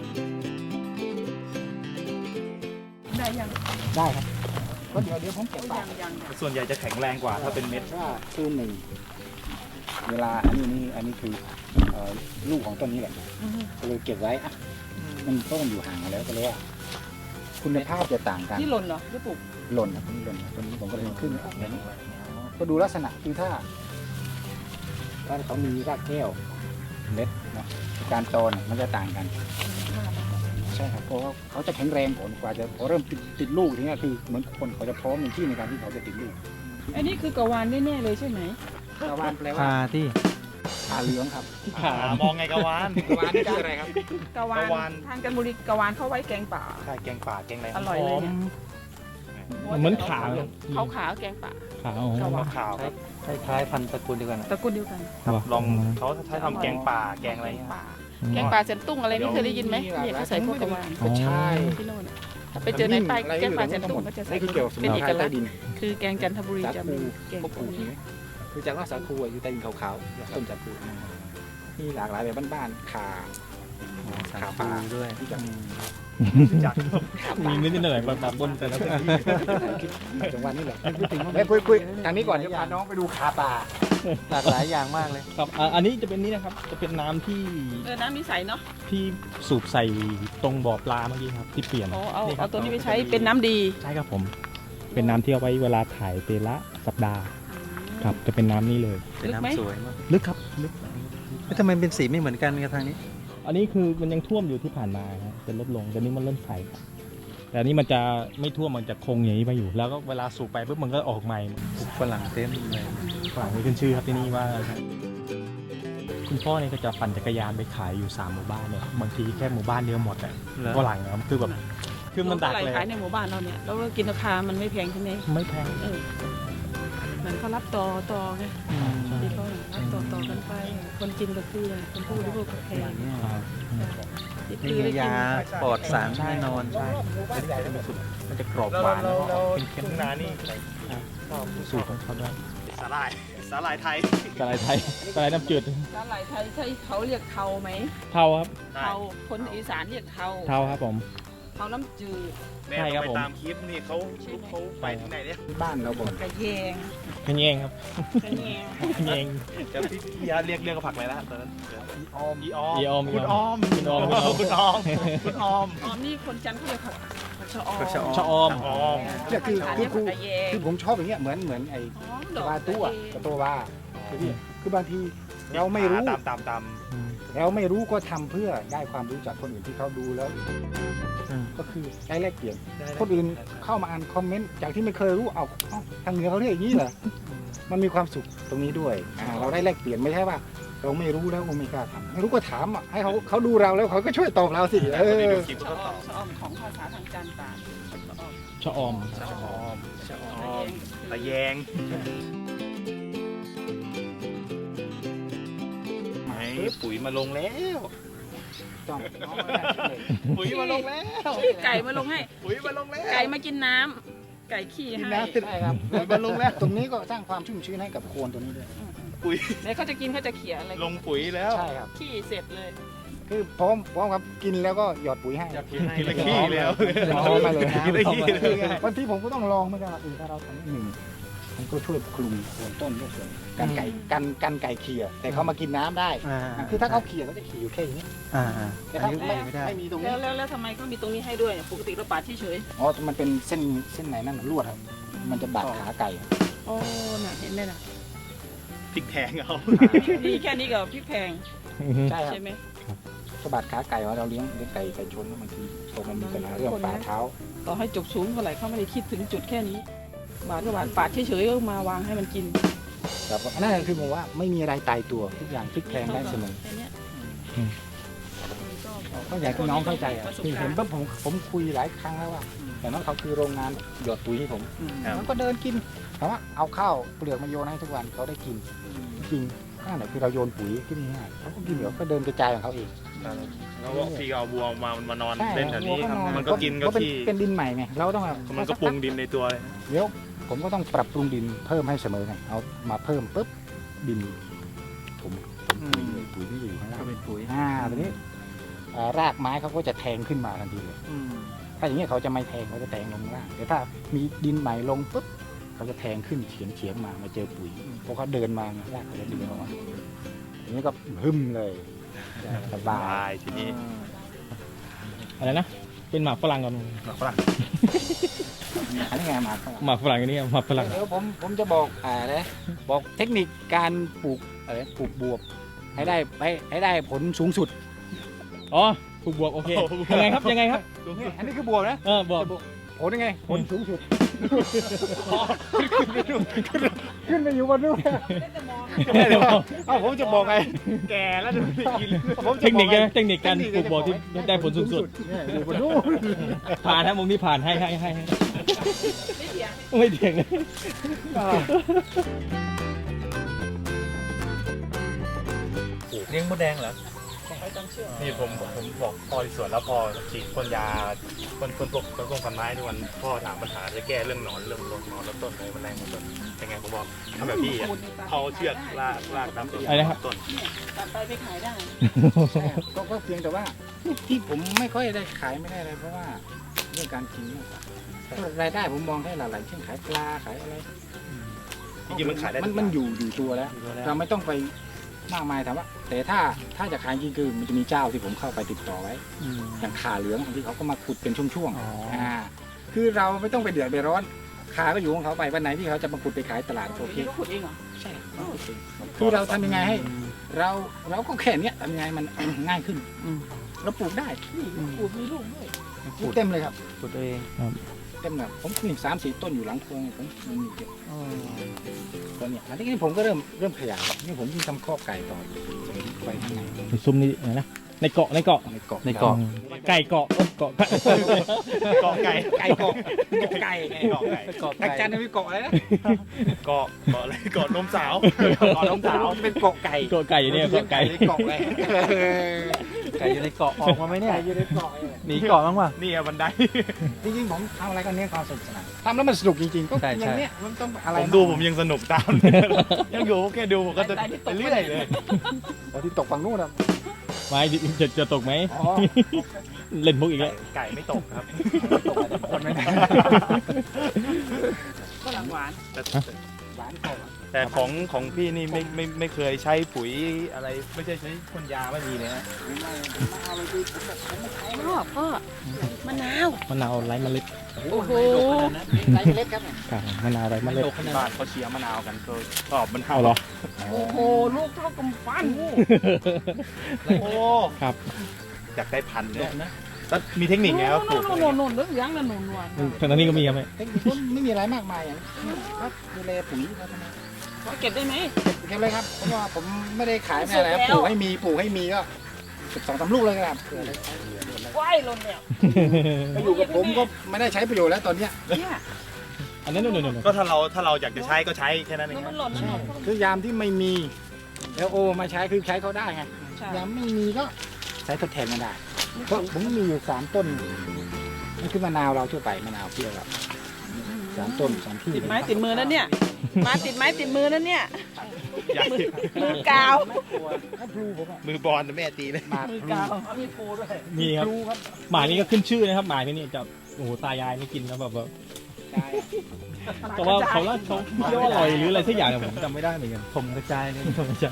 Speaker 4: ได้ยัง
Speaker 1: ได้ครับก็เดี๋ยวเดี๋ยวผมเก็บไป
Speaker 4: ยังยังยัง
Speaker 2: ส่วนใหญ่จะแข็งแรงกว่าถ้าเป็นเม็ด
Speaker 1: ว่าคือหนึ่งเวลาอันนี้นี่อันนี้คือเอ่อลูกของต้นนี้แหละ
Speaker 4: อือฮึ
Speaker 1: ก็เลยเก็บไว้อะมันต้นอยู่ห่างกันแล้วก็เลยว่าคุณภาพจะต่างกัน
Speaker 4: นี่หล่นเหรอที่ปลูก
Speaker 1: หล่นนะต้นนี้หล่นต้นนี้ผมก็เลยขึ้นออกแบบนี้ก็ดูลักษณะคือถ้าถ้าเขามีรากแก้วเม็ดเนาะการโตเนี่ยมันจะต่างกัน ใช่ครับเพราะว่าเขาจะแข็งแรงกว่ากว่าจะพอเริ่มติดติดลูกทีนี้คือเหมือนคนเขาจะพร้อมในที่ในการที่เขาจะติดลูก
Speaker 4: อันนี้คือกะวานแน่ๆเลยใช่ไหม
Speaker 1: กะวานแปลว่า
Speaker 5: พาที่
Speaker 1: ขาเหลืองครับ
Speaker 2: ขามองไงกะวาน
Speaker 1: กะวานนี่คืออะไรครับ
Speaker 4: กะวาก
Speaker 2: ะวาน
Speaker 4: นทางจันทบุรีกะวานเขาไว้แกงป่า
Speaker 2: ใช่แกงป่าแกงอะไร
Speaker 4: อร่อยเลยเนี่ย
Speaker 3: เหมือนขา
Speaker 4: เขาขาวแกงป่า
Speaker 3: ขาว
Speaker 4: กะวาน
Speaker 2: ขาวครับ
Speaker 5: คล้ายๆพันธุ์ตระกูลเดียวกันอะ
Speaker 4: ตระกูลเดียวกัน
Speaker 2: ลองเขาใช้ทำแกงป่าแกงอะไร
Speaker 4: แกง
Speaker 2: เงี้ย
Speaker 4: ป่าแกงป่าเซนตุ้งอะไรนี่เคยได้ยินไหมเนี่ยเขาใส่พวกกะวาน
Speaker 1: ก็ใช่
Speaker 4: ที่โน่นอะไปเจอในใต้แกงป่าเซนตุ้งก็จะใส่
Speaker 1: นี่คือเกี่ยวกับสมุ
Speaker 4: เป็น
Speaker 1: น
Speaker 4: เอ
Speaker 1: ไพ
Speaker 4: ก
Speaker 1: ร
Speaker 4: ลั
Speaker 1: ใต้
Speaker 4: กษณ์
Speaker 1: ดิน
Speaker 4: คือแกงจันทบุรี
Speaker 1: สา
Speaker 4: จะ
Speaker 1: คู
Speaker 4: มีแกง
Speaker 1: พวกคูใช่ไหมคือจากว่าสาคูอะอยู่ใต้ดินขาวๆต้นสาคูมีหลากหลายแบบบ้านๆขา
Speaker 5: สา
Speaker 1: ขา
Speaker 5: คู
Speaker 1: ปลา
Speaker 5: ด้วย
Speaker 1: ที่จะ
Speaker 2: จาก
Speaker 3: มีนิดหน่อยแบบบนแต่ละที่
Speaker 1: จังหวัดนี่แหละเฮ้ยคุยคุยทางนี้ก่อนเดี๋ยวพาน้องไปดูขาปลา
Speaker 5: หลากหลายอย่างมากเลย
Speaker 3: ครับอ่าอันนี้จะเป็นนี้นะครับ จะเป็นน้ำที่
Speaker 4: เออน้ำมีใสเนาะ
Speaker 3: ที่สูบใส่ตรงบ่อปลาเมื่อกี้ครับที่เปลี่ยน
Speaker 4: เอาเอา
Speaker 3: นี่ค
Speaker 4: เอา
Speaker 3: บ
Speaker 4: ตัวนี้ไปใช้เป็นน้ำดี
Speaker 3: ใช่ครับผม เป็นน้ำที่เอาไว้เวลาถ่ายเตละสัปดาห์ครับจะเป็นน้ำนี้เลย
Speaker 5: เป็น
Speaker 4: ลึกไหม
Speaker 5: น้ำสวยมาก
Speaker 3: ลึกครับลึก
Speaker 5: แล้วทำไมเป็นสีไม่เหมือนกันกับทางนี้
Speaker 3: อันนี้คือมันยังท่วมอยู่ที่ผ่านมาครับจะลดลงแต่นี้มันเริ่มใสครับแต่อันนี้มันจะไม่ท่วมมันจะคงอย่างนี้ไปอยู่ แล้วก็เวลาสูบไปปุ๊บมันก็ออกใหม่
Speaker 5: ปลูกฝรั่งเต็มเลย
Speaker 3: ฝั่งนี้ขึ้นชื่อครับที่นี่ว่าคุณพ่อเนี่ยก็จะปั่นจักรยานไปขายอยู่สามหมู่บ้านเนี่ยบางทีแค่หมู่บ้านเดียวหมดอ่ะ
Speaker 5: เหรอ
Speaker 3: ฝรั่งนะครับคือแบบคือมันดัก
Speaker 4: โล
Speaker 3: เลย
Speaker 4: ขายในหมู่บ้านเราเนี่ยแล้วกินราคามันไม่แพงใช่ไหม
Speaker 3: ไม่แพง
Speaker 4: เออเหมือนเขารับต่อต่อไงที่เขารับต่อต่อกันไป คนกินก็คือคนผู้บริโภคก็แพง
Speaker 3: ครับ
Speaker 4: ที่
Speaker 5: นี่
Speaker 4: คือได้
Speaker 5: ไง
Speaker 4: กิน
Speaker 5: ยาปลอดสารแน่นอน
Speaker 3: ใช่มันจะกรอบหวานแล้วก็เค็ม
Speaker 2: ทุ่งนานี่
Speaker 3: ๆสูตรของเขาด้วย
Speaker 2: สาหร่ายสาหร่ายไทย
Speaker 3: สาหร่ายไทยสาหร่ายน้ำจืด
Speaker 4: สาหร่ายไทยใช่เขาเรียกเทาไหม
Speaker 3: เทาครับ
Speaker 4: เทาคนอีสานเรียกเทา
Speaker 3: เทาครับผม
Speaker 4: เทาน้ำจืด
Speaker 2: แม่
Speaker 3: ใช่ครับ
Speaker 2: ไป
Speaker 3: ผม
Speaker 2: ตามคลิปนี่เขาเขาไปที่ไหนเนี่ย
Speaker 1: บ้านเราบอก
Speaker 4: กระเยง
Speaker 3: ขยงครับ
Speaker 4: กระเยง
Speaker 3: ขยง
Speaker 2: จะพี่พี่ยาเรียกเรียกกับผักอะไรนะตอนนั้น
Speaker 1: ออม
Speaker 2: อีออม
Speaker 3: อีออม
Speaker 2: คุณออม
Speaker 3: คุณออมคุณออม
Speaker 2: คุณออมคุณออม
Speaker 4: ออมนี่คนจันทร์เขาเรียกผักผักชะออม
Speaker 5: ผักชะออม
Speaker 3: ชะออม
Speaker 2: ออม
Speaker 1: เนี่ยคือ
Speaker 4: ภาษา
Speaker 1: คื
Speaker 4: เรี
Speaker 1: อย
Speaker 4: ก
Speaker 1: คือ
Speaker 4: กระเยง
Speaker 1: คือผมชอบอย่างเงี้ยเหมือนเหมือนไอ้
Speaker 4: อ๋อดอก
Speaker 1: วาตัว
Speaker 4: กระเยง
Speaker 1: กับตัววาคือพี่คือบางทีเราไม่รู้
Speaker 2: ตามตามตาม
Speaker 1: เราไม่รู้ก็ทำเพื่อได้ความรู้จากคนอื่นที่เขาดูแล้ว
Speaker 5: อืม
Speaker 1: ก็คือได้แลกเปลี่ยนคนอื่นเข้ามาอ่านคอมเมนต์จากที่ไม่เคยรู้เอาเอ้าทางเหนือเขาเรียกอย่างนี้เหรอมันมีความสุขตรงนี้ด้วยอ่าเราได้แลกเปลี่ยนไม่ใช่ว่าเราไม่รู้แล้วก็ไม่กล้าทำไม่รู้ก็ถามอ่ะให้เขาเขาดูเราแล้วเขาก็ช่วยตอบเราสิเออ
Speaker 4: ชะออมชะออมของภาษาทางการตาชะออม
Speaker 3: ชะออม
Speaker 2: ชะออมชะออมตะแยงไม่ปุ๋ยมาลงแล้ว
Speaker 1: จ้อง
Speaker 2: ปุ๋ยมาลงแล้ว
Speaker 4: ไก่มาลงให้
Speaker 2: ปุ๋ยมาลงแล้ว
Speaker 4: ไก่มากินน้ำไก่ขี้
Speaker 1: กิน
Speaker 4: ให้
Speaker 1: น้ำติดได้ครับแล้วก็ลงแล้วตรงนี้ก็สร้างความชุ่มชื้นให้กับโคนตัวนี้ด้วย
Speaker 2: ปุ๋ย
Speaker 4: แล้วเขาจะกินเขาจะเขี่ยอะไร
Speaker 2: ลงปุ๋ยแล้ว
Speaker 1: ใช่ครับ
Speaker 4: ขี้เสร็จเลย
Speaker 1: คือพร้อมพร้อมครับกินแล้วก็หยอดปุ๋ยให้
Speaker 2: กินละขี้แล้ว
Speaker 1: พร้อมมาเลย
Speaker 2: กินละขี้เลย
Speaker 1: บางทีผมก็ต้องลองเหมือนกันว่าเออถ้าเราทำหนึ่งมันก็ช่วยคลุมโคนต้นด้วยส่วนกันไก่กันกันไก่เขี่ยแต่เขามากินน้ำได้
Speaker 5: อ่า
Speaker 1: คือถ้าเขาเขี่ยเขาจะเขี่ยอยู่แค่อย่างนี้
Speaker 5: อ่าอ่า
Speaker 1: แต่
Speaker 5: อัน
Speaker 1: ถ้า
Speaker 5: นี้
Speaker 1: ไม่
Speaker 5: ไม่ได้
Speaker 1: ไม่มีตรง
Speaker 4: แล้
Speaker 1: นี้
Speaker 4: วแล้วแล้วทำไมเขามีตรงนี้ให้ด้วยปกติเราปาดเฉย
Speaker 1: อ๋อมันเป็นเส้นเส้นไหนนั่นน่ะลวดครับมันจะบาดขาไก่
Speaker 4: ๆโอ้น่ะเห็นไหมน่ะ
Speaker 2: พริกแทงเอา
Speaker 4: นี่แค่นี้ก็พริกแพง
Speaker 1: ใช่ครับ
Speaker 4: ใช่ไหม
Speaker 1: สะบัดขาไก่ว่าเราเลี้ยงเลี้ยงไก่ไก่ชนแล้วบางทีพอมันมีปัญหาเรื่องฝ่าเท้า
Speaker 4: ต่อให้จบสูงเท่าไหร่เขาไม่ได้คิดถึงจุดแค่นี้ บาดก็บาดปาดเฉยๆก็มาวางให้มันกิน
Speaker 1: แต่ว่านั่นคือผมว่าไม่มีอะไรตายตัวทุกอย่างพลิกแพลงได้เสมอ
Speaker 4: แค่เนี้ย
Speaker 1: ก็อยากให้น้องเข้าใจอ่ะคือเห็นปุ๊บผมผมคุยหลายครั้งแล้วว่าแต่นั้นเขาคือโรงงานหยอดปุ๋ยให้ผมมันก็เดินกินถามว่าเอาข้าวเปลือกมาโยนให้ทุกวันเขาได้กินจริงนั่นแหละคือเราโยนปุ๋ยขึ้นง่ายเขาก็กินเดี๋ยวก็เดินกระจายของเขาเอง
Speaker 2: แล้วพี่ก็เอาบัวมามันมานอน
Speaker 1: ใช่
Speaker 2: เล่นแถวนี้
Speaker 1: วัว
Speaker 2: มันก็กินก็
Speaker 1: เป็น
Speaker 2: ขี้
Speaker 1: เป็นดินใหม่ไงเราต้องแบบ
Speaker 2: มันก็ปรุงดินในตัวเลย
Speaker 1: เดี๋ยวผมก็ต้องปรับปรุงดินเพิ่มให้เสมอไงเอามาเพิ่มปุ๊บดินผมปุ๋ยปุ๋ยที่อยู่ข้างล่าง
Speaker 5: ก็เป็นปุ๋ย
Speaker 1: อ่าทีนี้อ่ารากไม้เขาก็จะแทงขึ้นมาทันทีเลยถ้าอย่างนี้ยเขาจะไม่แทงเขาจะแทงลงล่างแต่ถ้ามีดินใหม่ลงปุ๊บเขาจะแทงขึ้นเฉียงเฉียงๆมามาเจอปุ๋ยเพราะเขาเดินมาไงรากเขาจะดึงออกมาทีนี้ก็หึมเลยสบา
Speaker 2: ตาย ยทีนี้
Speaker 3: อะไรนะ เป็นหมากฝรั่งก่อน
Speaker 2: หมักฝรั่ง
Speaker 1: อันนี้ไงมาครับ
Speaker 3: หมากฝรั่งอันนี้หมากฝรั่ง
Speaker 1: เดี๋ยวผมผมจะบอกอ่านะบอกเทคนิคการปลูกอะไรปลูกบวบให้ได้ให้ให้ได้ผลสูงสุด
Speaker 3: อ๋อปลูกบวกโอเคยังไงครับยังไงครับ
Speaker 1: อันนี้คือบวบนะ
Speaker 3: เออบวก
Speaker 1: ผลยังไงผลสูงสุดขึ้นไปอยู่บนนู้นเอ้าผมจะบอกไง
Speaker 2: แก่แล้วดูสิกิน
Speaker 1: ผม
Speaker 3: เท
Speaker 1: จะ
Speaker 3: ค
Speaker 1: บ
Speaker 3: นิ
Speaker 1: อ
Speaker 3: ค
Speaker 1: กไง
Speaker 3: เทคนิคการปลูกบวกที่ได้ผลสูงสุด
Speaker 1: เนี่ยอยู่บนนู้น
Speaker 3: ผ่านนะมุมที่ผ่านให้ให้ให้ให้
Speaker 4: ไม่เถียง
Speaker 3: ไม่เถียงเลย
Speaker 2: เลี้ยงมดแดงเหรอ
Speaker 4: เขาจำเชื่อ
Speaker 2: นี่ผมผมบอกพ่อที่สวนแล้วพอฉีดพ่นยาพ่นพ่นพวกต้นต้นพันไม้ทุกวันพ่อถามปัญหาจะแก้เรื่องหนอนเรื่องลงหนอนแล้วต้นอะไรแมลงต้นยังไงผมบอกทำแบบพี่อ่ะเขาเชือกลากลากตามต้น
Speaker 3: อะไรนะครับ
Speaker 2: ต้น
Speaker 4: ตัดไปไปขายได้
Speaker 1: ใช่ก็ก็เพียงแต่ว่าที่ผมไม่ค่อยได้ขายไม่ได้อะไรเพราะว่าเรื่องการกินมากกว่ารายได้ผมมองแค่หลายๆเช่นขายปลาขายอะไร
Speaker 2: จริงๆมันขายได้
Speaker 1: มันมันอยู่อยู่ตัวแล้ว เราไม่ต้องไปมากมายถามว่า แต่ถ้าถ้าจะขายจริงคือมันจะมีเจ้าที่ผมเข้าไปติดต่อไว้ อย่างขาเหลืองบางที่เขาก็มาขุดเป็นช่วง
Speaker 5: อ๋อ
Speaker 1: ๆอ่าคือเราไม่ต้องไปเดือดไปร้อนขาก็อยู่ของเขาไปวันไหนที่เขาจะมาขุดไปขายตลาดโอเค
Speaker 4: ก็ขุดเองเหรอ
Speaker 1: ใช่คือเราทำยังไงให้เราเราก็แค่เนี้ยทำยังไงมัน ง่ายขึ้นเราปลูกได้
Speaker 4: ปลูกมีลูกด้วย
Speaker 1: ปลูกเต็มเลยครับ
Speaker 5: ปุ๋ยตัวเอง
Speaker 1: เต็มแบบผมมีสามสี่ต้นอยู่หลังโพรงผมมันมีเยอะตอนเนี้ยอันนี้ผมก็เริ่มเริ่มขยายนี่ผมยิ่งทำข้อกไก่ต่ออยู่ไปข้างใน
Speaker 3: ซุ่มนี่อะไรนะในเกาะในเกาะ
Speaker 1: ในเกาะ
Speaker 5: ในเกาะ
Speaker 3: ไก่เกาะเกาะ
Speaker 2: เกาะไก่
Speaker 1: ไก่เกาะเกาะไก่
Speaker 2: เกาะไก่
Speaker 5: เกาะ
Speaker 1: ทางจันทร์มีเกาะอะไรนะ
Speaker 2: เกาะเกาะอะไรเกาะนมสาว
Speaker 1: เกาะน้องสาวเป็นเกาะไก่
Speaker 3: เกาะไก่เนี่ยเกาะไก่
Speaker 1: เกาะไก่
Speaker 5: ไก่อยู่ในเกาะออกมาไหมเนี่ย
Speaker 1: ไก่อยู่ในเกาะ
Speaker 5: หนีเกาะบ้างป่ะ
Speaker 2: นี่อะบันได
Speaker 1: จริงๆผมทำอะไรก็เน้นความสนุกสนานทำแล้วมันสนุกจริงๆก็
Speaker 5: ใช่
Speaker 1: อ
Speaker 5: ใช่
Speaker 1: ย่างเนี้ยมันต้องอะไร
Speaker 2: ผมดูผมยังสนุกตาม ยังอยู่แค่ดูผมก็จะไปเรื่อยเลย
Speaker 1: ตอนที่ตกฝั่งนู้นอ่ะ
Speaker 3: ไม้จะจะตกไหม
Speaker 1: อ๋อ
Speaker 3: เล่นมุกอีกแล้ว
Speaker 2: ไก่ไม่ตกครับ
Speaker 1: คนไม่ได้
Speaker 4: ก็หลังหวาน
Speaker 2: แต่
Speaker 1: หวานเกาะ
Speaker 2: แต่ของของพี่นี่ไม่ไม่ไม่เคยใช้ปุ๋ยอะไรไม่ใช่ใช้พ่นยาไม่มีเลยฮะ
Speaker 4: ชอบพ่อมะนาว
Speaker 3: มะนาวไร้เมล็ด
Speaker 4: โอ้โห
Speaker 1: ไรเล็กครับ
Speaker 3: ครับมะนาวไร้เมล็ด
Speaker 2: บ้านเขาเชียร์มะนาวกันก็ชอบมัน
Speaker 3: เอาเหรอ
Speaker 4: โอ้โหลูกเท่ากำปั้น
Speaker 2: โอ้
Speaker 3: ครับ
Speaker 2: อยากได้พันธุ์เนี่ยแล้วมีเทคนิคไงครับปลูก
Speaker 4: โน่นโน่นโน่นเรื่องยังนั่นโน่นนวล
Speaker 3: ทางนี้ก็มีครับไหม
Speaker 1: เทคนิคก็ไม่มีอะไรมากมายอย่างก็ดูแลปุ๋ยเขาทำไม
Speaker 4: เก็บได้ไหม
Speaker 1: เก็บเลยครับเพราะว่าผมไม่ได้ขายไม่
Speaker 4: สุ
Speaker 1: อะไร
Speaker 4: ก
Speaker 1: ครับ
Speaker 4: แล้ว
Speaker 1: ปลูกให้มีปลูกให้มีก็สิบสองสามลูกเลยครับเผื่ออะไร
Speaker 4: ว่ายลงแล้ว
Speaker 1: ไปอยู่กับผมก็ไม่ได้ใช้ประโยชน์แล้วตอนเนี้ย
Speaker 4: เนี่ย
Speaker 3: อันนั้นนู่นนู่น
Speaker 2: ก็ถ้าเราถ้าเราอยากจะใช้ก็ใช้แค่นั้นเอง
Speaker 4: แล้ว
Speaker 2: ค
Speaker 4: มั
Speaker 2: รับ
Speaker 4: นหล่นมันหล่น
Speaker 1: คือยามที่ไม่มีแล้วโอมาใช้คือใช้เขาได้ไง
Speaker 4: ใช่
Speaker 1: ยามไม่มีก็ใช้ทดแทนกันได้เพราะผมมีอยู่สามต้นนี่คือมะนาวเราทั่วไปมะนาวเปรี้ยวครับสามต้นสามที่
Speaker 4: ติดไม้ติดมือนั่นเนี่ย มาติดไม้ติดมือนั่นเนี่ย
Speaker 2: ใหญ่
Speaker 4: มือกาว
Speaker 1: ถ้าพลูผมอะ
Speaker 2: มือบอลแม่ตีเลย
Speaker 1: หมาก
Speaker 4: มือ
Speaker 1: พลู
Speaker 4: กาว
Speaker 1: มีพลูด้วย
Speaker 3: มีครับ
Speaker 1: พลูครับ
Speaker 3: หมานี่ก็ขึ้นชื่อนะครับหมาที่นี่จะโอ้โหตายายไม่กินนะแบบว่า
Speaker 1: ใช่
Speaker 3: เพราะว่าเขาว่าเขาเรียกว่าอร่อยหรืออะไรสักอย่างเนี่ยผมจำไม่ได้เหมือนกัน
Speaker 5: ผมกระจายเลย
Speaker 3: ผมไม่ใช่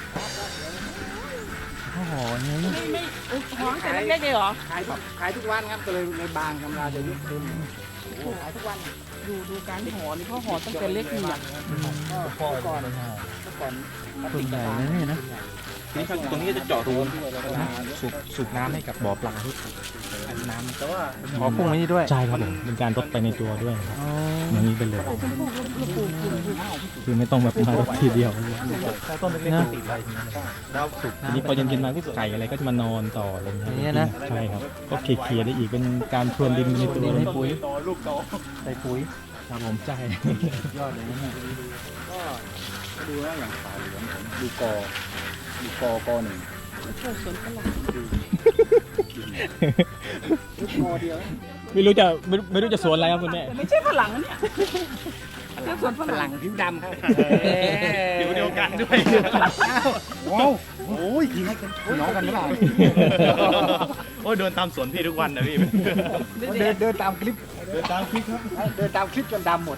Speaker 5: โอ้โหนี่
Speaker 4: ไม่ไม่ห้องแต่เล็กๆเลยเหรอ
Speaker 1: ขายทุกขายทุกวันครับก็เลยในบางกำลังจะยุบขึ้นขายทุกวัน
Speaker 4: ดูดูการห่อนี่เขาห่อตั้งแต่เล็กนี่อ่ะ
Speaker 1: ก็ก่อนก่อนก่อน
Speaker 5: ส่วนใหญ่นะเนี่ยนะ
Speaker 3: นี่ครับตรงนี้จะเจาะรู
Speaker 1: สูบสูบน้ำให้กับบ่อปลาทุกน้ำแต่ว่า
Speaker 5: ขอพุ่งไว้นี่ด้วย
Speaker 3: ใช่ครับผมเป็นการรดไปในตัวด้วยครับ
Speaker 5: อ๋อ
Speaker 3: อย่างนี้ไปเลยคือไม่ต้องแบบมารดทีเดียว
Speaker 5: ต้นเล็กๆติดไป
Speaker 1: แล้วสูบ
Speaker 3: ทีนี้พอเย็นๆมาก็ไก่อะไรก็จะมานอนต่ออะไรอย่างเงี้ยใช่ครับก็เคลียร์ๆได้อีกเป็นการพรวนดินในตัว
Speaker 5: ให้ปุ๋ย
Speaker 2: ต่อลูกต่อ
Speaker 5: ใส่ปุ๋ย
Speaker 3: ครับผมใช่
Speaker 5: ยอดเลยนะเนี่ย
Speaker 1: ก็ดูแล้วอย่างขาวเหลืองผมดูกอดูกอกอหนึ่ง
Speaker 4: ช่วยสวนฝรั่ง
Speaker 1: ดูกอเดียว
Speaker 3: ไม่รู้จะไม่ไม่รู้จะสวนอะไรครับคุณแม่
Speaker 4: แต่ไม่ใช่ฝรั่งนะเนี่ยเรียกสวนฝ
Speaker 1: ฝ
Speaker 4: รั่
Speaker 1: รั่
Speaker 4: ง
Speaker 1: งผิวดำครับ
Speaker 2: ผิวเดียวกันด้วย
Speaker 1: ว้าวโอ้ยยิงให้กันน้องกันหรือเปล่า
Speaker 2: โอ้ยเดินตามสวนพี่ทุกวันนะพี่
Speaker 1: เดินเดินตามคลิป
Speaker 2: เดินตามคลิปครับ
Speaker 1: เดินตามคลิปจนดำหมด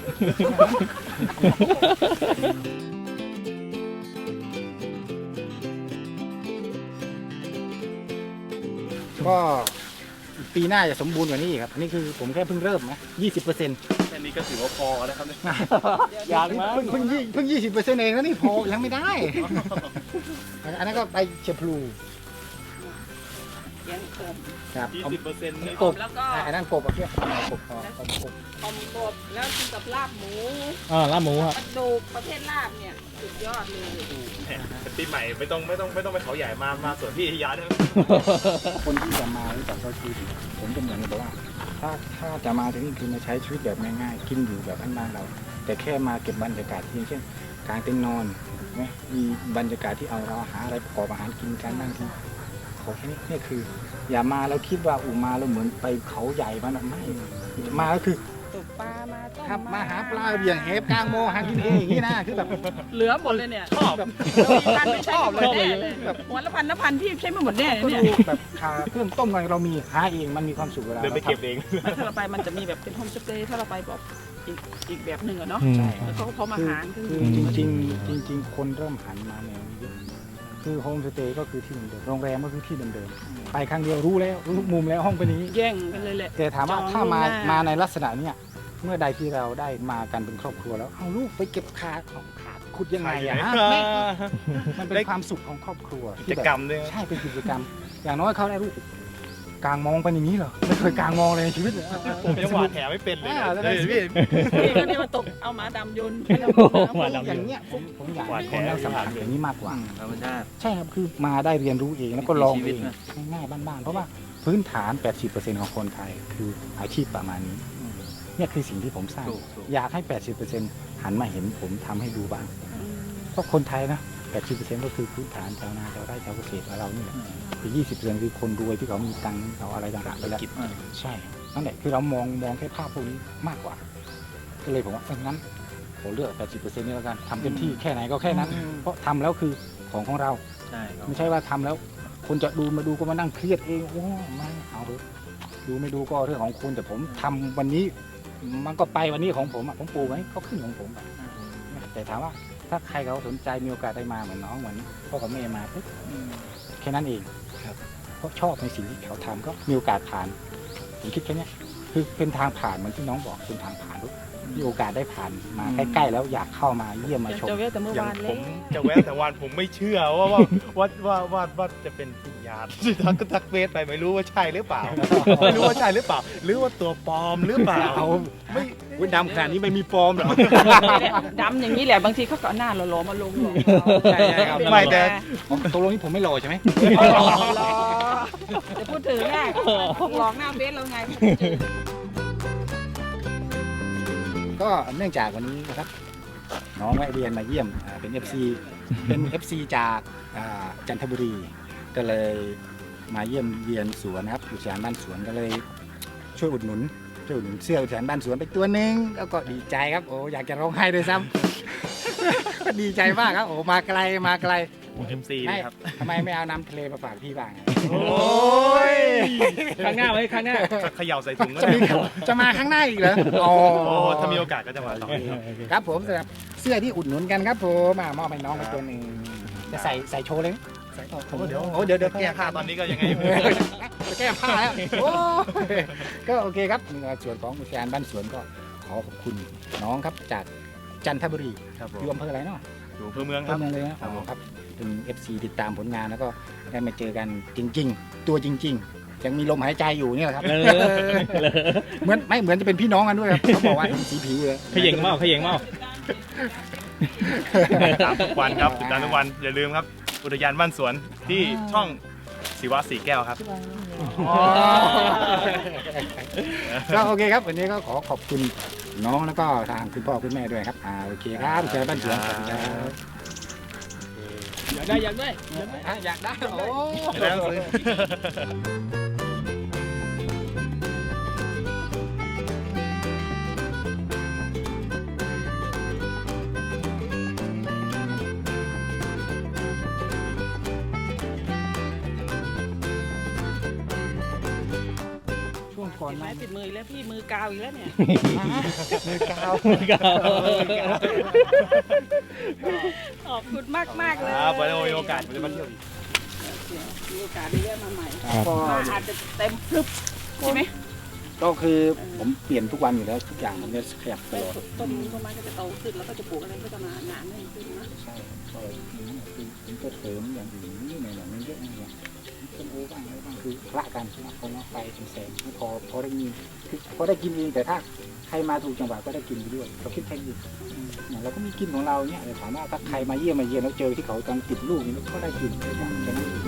Speaker 1: ก็ปีหน้าจะสมบูรณ์กว่านี้อีกครับอันนี้คือผมแค่เพิ่งเริ่มนะยี่สิบเปอร์เซ็นต์
Speaker 2: แค่นี้ก็ถือว่าพอแล้วครับเนี่ย
Speaker 3: อยากมา
Speaker 1: เพิ่งเพิ่งยี่เพิ่งยี่สิบเปอร์เซ็นต์เองแล้วนี่พอยังไม่ได้ อันนั้นก็ไปเชฟพลู
Speaker 4: เลี้ยงกบ
Speaker 1: ครับ
Speaker 2: ยี่
Speaker 1: เอา
Speaker 2: สิบเปอร์เซ็นต์นี่
Speaker 1: กบ
Speaker 4: แล้วก็
Speaker 1: อันนั้นกบเอาเพี้ยกบพอเอากบ
Speaker 4: อมกบแล้วกินกับลาบหมู
Speaker 3: อ่าลาบหมูครับ
Speaker 4: กระดูกประเภทลาบเนี่ยสุดยอดเลย
Speaker 2: ปีใหม่ไม่ต้องไม่ต้องไม่ต้องไปเขาใหญ่มามาสวนพี่ยาด้วย
Speaker 1: คนที่จะมารู้จักเขาคือผมจะเหมือนกับว่า ถ้าถ้าจะมาที่นี่คือมาใช้ชีวิตแบบง่ายๆกินอยู่แบบบ้านๆเรา แต่แค่มาเก็บบรรยากาศที่เช่นกางเต็นท์นอนไหมมีบรรยากาศที่เอาเราหาอะไรประกอบอาหารกินกันนั่งกินขอแค่นี้นี่คือ อย่ามาแล้วคิดว่าอูมาแล้วเหมือนไปเขาใหญ่มันอะไม่มาก็คือ
Speaker 4: ตกปลามาต้ม
Speaker 1: ครับมาหาปลาเบี่ยงเฮฟกลางโมหากินเองอย่างนี้นะคือแบบ
Speaker 4: เหลือหมดเลยเนี่ย
Speaker 1: ชอบแบบ
Speaker 4: พันไม่ใช่หมดแน่เลยหัวละพันละพันพี่ใช้ไม่หมดแน่เลย
Speaker 1: ก็
Speaker 4: เนี่ย
Speaker 1: ดูแบบหาเครื่องต้มกันเรามีหาเองมันมีความสุขเวลา
Speaker 2: เดินไปเก็บเอง
Speaker 4: ถ้าเราไปมันจะมีแบบเป็นโฮมสเตย์ถ้าเราไปแบบอีกอีกแบบหนึ่งอะเนาะ
Speaker 3: อืม
Speaker 4: แล้วเขาก็พร้อมอาหารคือ
Speaker 1: คือจริงๆจริง ๆ คนเริ่มหันมาแนวนี้เยอะคือโฮมสเตย์ก็คือที่เดิมๆโรงแรมก็คือที่เดิมๆไปครั้งเดียวรู้แล้วรู้ทุกมุมแล้วห้องเป็นอย่างนี้
Speaker 4: แย่งกันเลยแหละ
Speaker 1: แต่ถามว่า
Speaker 4: จอง
Speaker 1: ถ้ามา
Speaker 4: ล่วงหน้าม
Speaker 1: มาในลักษณะเนี้ยเมื่อใดที่เราได้มากันเป็นครอบครัวแล้วเอาลูกไปเก็บขาของขาขุดยังไงอะฮะแม่มันเป็นความสุขของครอบครัว
Speaker 2: กิ
Speaker 1: ที่
Speaker 2: จ
Speaker 1: แบบ
Speaker 2: กรรมด้วย
Speaker 1: ใช่เป็นกิจกรรม อย่างน้อยเขาได้รู้กลางมองเป็นอย่างนี้เหรอไม่เคยกลางมองเลยในชีวิตเลย
Speaker 2: ผมยังหวาดแผลไม่เป็นเลย
Speaker 1: อ่าแล้ว
Speaker 2: เฮ้ยพี่
Speaker 4: นี่ก็เรียกว่าตกเอาหมาดำโยนให้เรา
Speaker 3: หวานดำ
Speaker 1: อย่างเนี้ยผมผมอยาก
Speaker 2: หวาด
Speaker 1: ให้คนได้สัมผัส
Speaker 2: แผล
Speaker 1: อย่างนี้มากกว่า
Speaker 5: ธรรมชาติ
Speaker 1: ใช่ครับคือมาได้เรียนรู้เองแล้วก็ลอง
Speaker 5: ชีวิ
Speaker 1: เอ
Speaker 5: ต
Speaker 1: ง
Speaker 5: นะ
Speaker 1: ง่ายๆบ้านๆเพราะว่าพื้นฐาน แปดสิบเปอร์เซ็นต์ ของคนไทยคืออาชีพประมาณนี้เนี่ยคือสิ่งที่ผมสร้าง
Speaker 5: ถูกถูก
Speaker 1: อยากให้ แปดสิบเปอร์เซ็นต์ หันมาเห็นผมทำให้ดูบ้างเพราะคนไทยนะ แปดสิบเปอร์เซ็นต์ ก็คือพื้นฐานชาวนาชาวไร่ชาวเกษตรเรานี่แหละอีกยี่สิบเปอร์เซ็นต์ คือคนรวยที่เขามีตังค์เขาอะไรต่างๆไปแล้ว ใช่ นั่นแหละคือเรามองมองแค่ภาพพวกนี้มากกว่า ก็เลยผมว่าเอองั้นผมเลือก แปดสิบเปอร์เซ็นต์ นี่แล้วกันทำเต็มที่แค่ไหนก็แค่นั้น เพราะทำแล้วคือของของเรา
Speaker 5: ใช่ครับ
Speaker 1: ไม่ใช่ว่าทำแล้ว คนจะดูมาดูก็มานั่งเครียดเองโอ้ไม่เอาเถอะดูไม่ดูก็เรื่องของคุณแต่ผมทำวันนี้ มันก็ไปวันนี้ของผมอ่ะผมปลูกไว้ก็ขึ้นของผมอะแต่ถามว่าถ้าใครเขาสนใจมีโอกาสได้มาเหมือนน้องเหมือนพ่อกับแม่มาปุ๊บแค่นั้นเองครับเพราะชอบในสิ่งที่เขาทำก็มีโอกาสผ่านผมคิดแค่เนี้ยคือเป็นทางผ่านเหมือนที่น้องบอกเป็นทางผ่านปุ๊บมีโอกาสได้ผ่านมาใกล้ๆแล้วอยากเข้ามาเยี่ยมมาชม
Speaker 4: จะเวทแต่เมื่อ
Speaker 2: อย่าง
Speaker 4: วาน
Speaker 2: ผ
Speaker 4: เลย
Speaker 2: มจะแวะแต่วันผมไม่เชื่อว่าว่าว่าว่าว่าว่าจะเป็นวิญญาณทักก็ทักเฟซไปไม่รู้ว่าใช่หรือเปล่า ไม่รู้ว่าใช่หรือเปล่า หรือว่าตัวปลอมหรือเปล่า
Speaker 1: เอา
Speaker 2: ไม่
Speaker 1: วุ้นดำขนาดนี้ไม่มีฟอร์มหรอ
Speaker 4: ดำอย่างนี้แหละบางทีเขาก็เอาหน้าหล่อๆมาลงหรอก
Speaker 1: ใช่ใช่ครับ
Speaker 2: ไม่แต่
Speaker 1: ตกลงนี่ผมไม่หล่อใช่ไหม
Speaker 4: หล่อจะพูดถึงแน่หลอกหน้าเบสเราไง
Speaker 1: ก็เนื่องจากวันนี้นะครับน้องแวะเวียนมาเยี่ยมอ่าเป็น เอฟ ซี เป็น เอฟ ซี จากอ่าจันทบุรี ก็เลยมาเยี่ยมเยียนสวนนะครับอุทยานบ้านสวนก็เลยช่วยอุดหนุนช่วยอุดหนุนเสื้ออุทยานบ้านสวนไปตัวหนึ่งแล้วก็ดีใจครับโอ้อยากจะร้องไห้ด้วยซ้ำ ก็ดีใจมากครับโอ้มาไกลมาไกล
Speaker 2: ผมเอ็มซี
Speaker 1: ไม่
Speaker 2: ครับ
Speaker 1: ทำไมไม่เอาน้ำทะเลมาฝากพี่บ้างอะ
Speaker 2: โอ้ย
Speaker 3: ข้างหน้าไว้ข้างหน้า
Speaker 2: เขย่าใส่ถุงก็
Speaker 1: จะ
Speaker 2: ได้
Speaker 1: มีจะมาข้างหน้าอีกเหรออ๋อ
Speaker 2: โอ้ถ้ามีโอกาสก็จะมาต่อ
Speaker 1: ครับผมสำหรับเสื้อที่อุดหนุนกันครับผมมามอบให้น้องไปตัวหนึ่งจะใส่ใส่โชว์เลยไหมใส่โอ้โหเดี๋ยวโอ้เดี๋ยวเดี๋ยว
Speaker 2: แก้ผ้าตอนนี้ก็ยังไง
Speaker 1: จะแก้ผ้าแล้วโอ้ยก็โอเคครับในส่วนของอุทยานบ้านสวนก็ขอขอบคุณน้องครับจากจันทบุรี
Speaker 2: ครับผม
Speaker 1: อยู่อำเภออะไรเนาะ
Speaker 2: อยู่อำเภอเมืองค
Speaker 1: อำ
Speaker 2: รับ
Speaker 1: เภอเมืองเลยนะครับ อ๋อครับเป็น เอฟ ซี ติดตามผลงานแล้วก็ได้มาเจอกันจริง ๆ ตัวจริง ๆ ยังมีลมหายใจอยู่เนี่ยแหละครับ
Speaker 3: เออ
Speaker 1: เหมือนไม่เหมือนจะเป็นพี่น้องกันด้วยครับเขาบอกว่าเห็นสีผิวเลย
Speaker 3: ขย่งเมาขย่งเมา
Speaker 2: ตามทุกวันครับติดตามทุกวันอย่าลืมครับ อุทยานบ้านสวนที่ช่องศิวะสีแก้วครับ
Speaker 1: ก็โอเคครับวันนี้ก็ขอขอบคุณน้องแล้วก็ทางคุณพ่อคุณแม่ด้วยครับอ่าโอเคครับอุทยานบ้านสวนขอบคุณครับ
Speaker 3: อยากได้อยากได้
Speaker 1: อ่ะอยากได้โอ้
Speaker 2: แล้วซื้อ
Speaker 1: ช่วงก่อน
Speaker 4: ติดไม้
Speaker 1: นะ
Speaker 4: ติดมืออีกแล้วพี่มือกาวอีกแล้วเนี่ย
Speaker 1: มือกาว
Speaker 4: ขอบคุณมากมากๆเลย
Speaker 2: ครับไว้มีโอกาสผมจะมาเที่ยวอีก
Speaker 4: มีโอกาสได้เรียกมาใหม่
Speaker 1: ก็
Speaker 4: มาอาจจะเต็มพรึบใช่ไหม
Speaker 1: ก็คือผมเปลี่ยนทุกวันอยู่แล้วทุกอย่างมันจะขยับตลอด
Speaker 4: ต้นนี้ต้นไม้ก็จะโตขึ้นแล้วก็จะปลูกอะไรก็จะมาหนาแน่นขึ้นนะ
Speaker 1: ใช่ก็คือมันก็เสริมอย่างอื่นนี่หน่อยๆมันเยอะนะเนี่ยต้นโอ้บ้างอะไรบ้างคือคละกันนะคนละไฟเป็นแสงไม่พอพอได้กินคือพอได้กินเองแต่ถ้าใครมาถูกจังหวะก็ได้กินไปด้วยเราคิดแค่นี้เนี่ยเราก็มีกินของเราเนี่ยแต่ถามว่าถ้าใครมาเยี่ยมมาเยี่ยมแล้วเจอที่เขากำลังติดลูกนี่ก็ได้กินแค่นั้น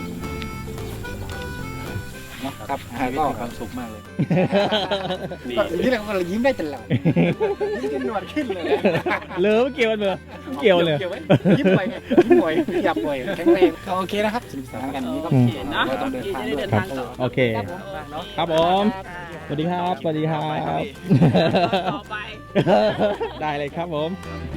Speaker 1: นะครับก็
Speaker 5: ความสุขมากเลย
Speaker 1: ก็อย่างนี้แหละก็ยิ้มได้ตลอดยิ้มจนหนวดขึ้นเลยนะ
Speaker 3: เลอไม่เกี่ยวกันเบอร์เกี่ยวเลย
Speaker 1: เกี่ยวไว้ยิ้มบ่อยไงยิ้มบ่อยขยับบ่อยแข็งแรงก็โอเคนะครับสนุกสนานกันนี้ก็
Speaker 4: โอเคเนาะ
Speaker 1: เราต้องเดิน
Speaker 4: พี่
Speaker 1: ทาง
Speaker 4: จะได้
Speaker 1: ด้ว
Speaker 4: เดิ
Speaker 1: ย
Speaker 4: นทางต่อ
Speaker 3: โอเค ครับผม สวัสดีครับ สวัสดีครับ
Speaker 4: ต่อไป
Speaker 3: ได้เลยครับผม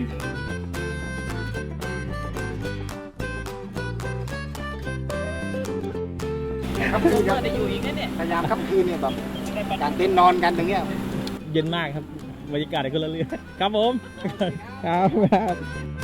Speaker 1: ครับคืนค
Speaker 4: เมื่
Speaker 1: รับ
Speaker 4: อได้อยู่อีกนะเนี่ย
Speaker 1: พยายามครับคืนเนี่ยแบบการเต้นนอนกันตรงเนี้ย
Speaker 3: เย็นมากครับ บรรยากาศก็ละเรื่องครับผม ครับ